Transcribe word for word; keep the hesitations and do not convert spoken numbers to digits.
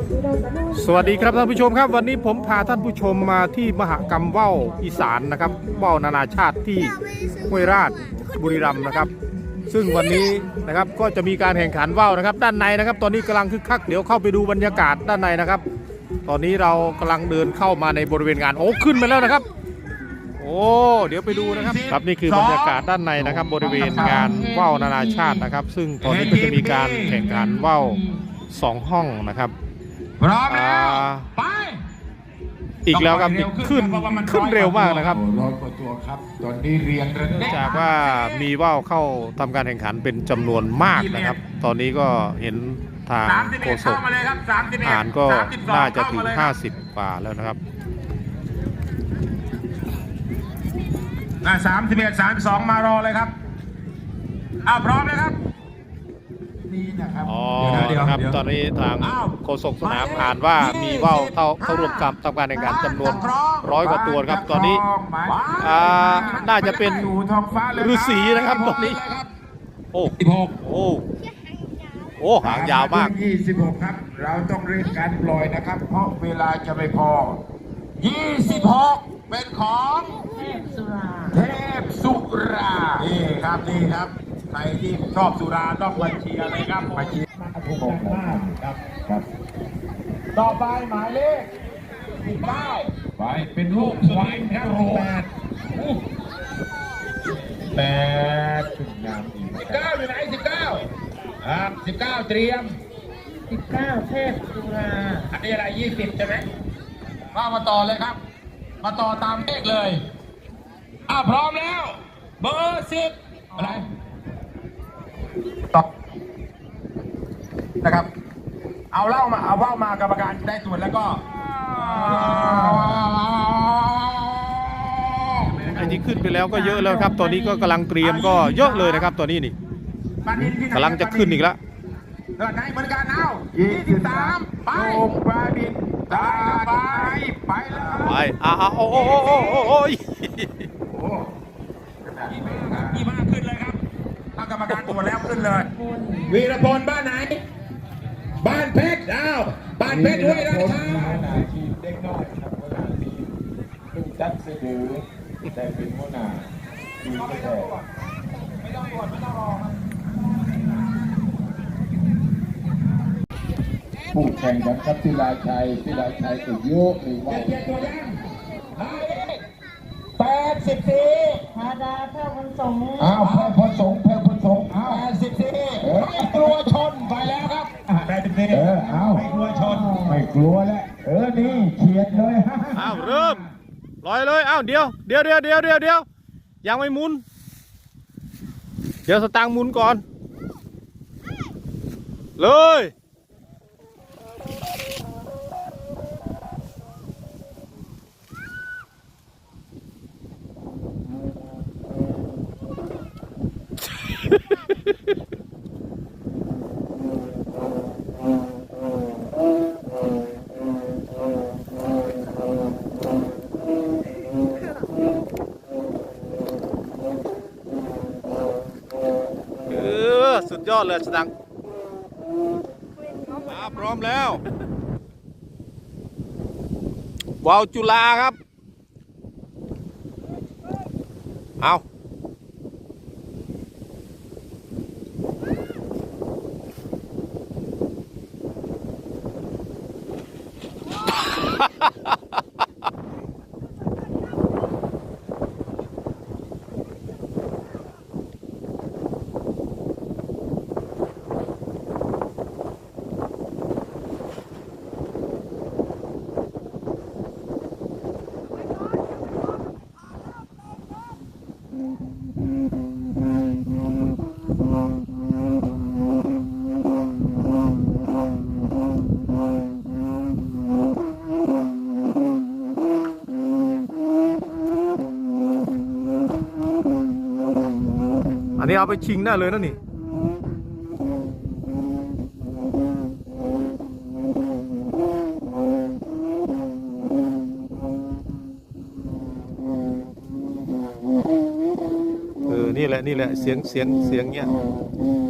สวัสดีครับท่านผู้ชมครับวันนี้ผมพาท่านผู้ชมมาที่มหกรรมว่าวอีสานนะครับว่าวนานาชาติที่ห้วยราชบุรีรัมย์นะครับซึ่งวันนี้นะครับก็จะมีการแข่งขันว่าวนะครับด้านในนะครับตอนนี้กำลังคึกคักเดี๋ยวเข้าไปดูบรรยากาศด้านในนะครับตอนนี้เรากำลังเดินเข้ามาในบริเวณงานโอ้ขึ้นมาแล้วนะครับโอ้เดี๋ยวไปดูนะครับครับนี่คือบรรยากาศด้านในนะครับบริเวณงานว่าวนานาชาตินะครับซึ่งตอนนี้ก็จะมีการแข่งขันว่าวสองห้องนะครับพร้อมแล้วไปอีกแล้วครับขึ้นขึ้นเร็วมากนะครับร้อยกว่าตัวครับตอนนี้เรียงระดับจากว่ามีว่าวเข้าทำการแข่งขันเป็นจำนวนมากนะครับตอนนี้ก็เห็นทางโฆษกอ่านก็น่าจะถึงห้าสิบกว่าแล้วนะครับสามสิบเอ็ดสามสองมารอเลยครับอ้าวพร้อมเลยครับนี่นะครับอ๋อนะครับตอนนี้ทางโฆษกสนามอ่านว่ามีว่าวเข้าเข้าร่วมกับทำการแข่งขันจำนวนร้อยกว่าตัวครับตอนนี้อ่าน่าจะเป็นฤาษีนะครับตอนนี้โอ้โอ้โอ้หางยาวมากยี่สิบหกครับเราต้องเร่งการปล่อยนะครับเพราะเวลาจะไม่พอยี่สิบหกเป็นของเทพสุราเทพสุรานี่ครับนี่ครับใครที่ชอบสุราต้องมาเชียร์เลยครับมาเชียร์ถูกมากครับครับต่อไปหมายเลขสิบเก้าไปเป็นลูกควายแถวแปดแปดถึงงามอีกสิบเก้าอยู่ไหนสิบเก้าครับสิบเก้าเตรียมสิบเก้าเทพสุราอันนี้อะไรยี่สิบใช่ไหมว่ามาต่อเลยครับมาต่อตามเลขเลยอ่ะพร้อมแล้วเบอร์สิบอะไรตอบนะครับเอาเล่ามาเอาเล่ามากรรมการได้ตรวจแล้วก็ไอ้ที่ขึ้นไปแล้วก็เยอะแล้วครับตอนนี้ก็กำลังเตรียมก็เยอะเลยนะครับตอนนี้นี่กำลังจะขึ้นอีกแล้วเกิดไหนบริการเอายี่สิบสามไปปลาดินตาไปไปแล้วไปอ่าโอ้โอ้โอ้โอ้โอ้ยยี่ห้าขึ้นเลยครับถ้ากรรมการตรวจแล้วขึ้นเลยวีรพลบ้านไหนบ้านเพชรอ้าวบ้านเพชรด้วยราชาทีมเด็กน้อยครับหัวหน้าทีมลูกจัดเสือแต่เป็นหัวหน้าทีมไม่ต้องตรวจไม่ต้องรอผู้แข่งขันครับพิลาชัยพิลาชัยสุดโยกหรือว่าแปดสิบสี่ธาดาแพร่พนสงอ้าวแพร่พนสงแพร่พนสงอ้าวแปดสิบสี่ไม่กลัวชนไปแล้วครับแปดสิบสี่เอออ้าวไม่กลัวชนไม่กลัวแล้วเออนี่เฉียดเลยอ้าวเริ่มลอยเลยอ้าวเดี๋ยวเดี๋ยวเดี๋ยวเดี๋ยวเดี๋ยวเดี๋ยวยังไม่หมุนเดี๋ยวสตางค์หมุนก่อนเลยสุดยอดเลยสตังค์มาพร้อมแล้วว่าวจุฬาครับเอาอันนี้เอาไปชิงได้เลยนะนี่เออนี่แหละนี่แหละเสียงเสียงเสียงเนี้ย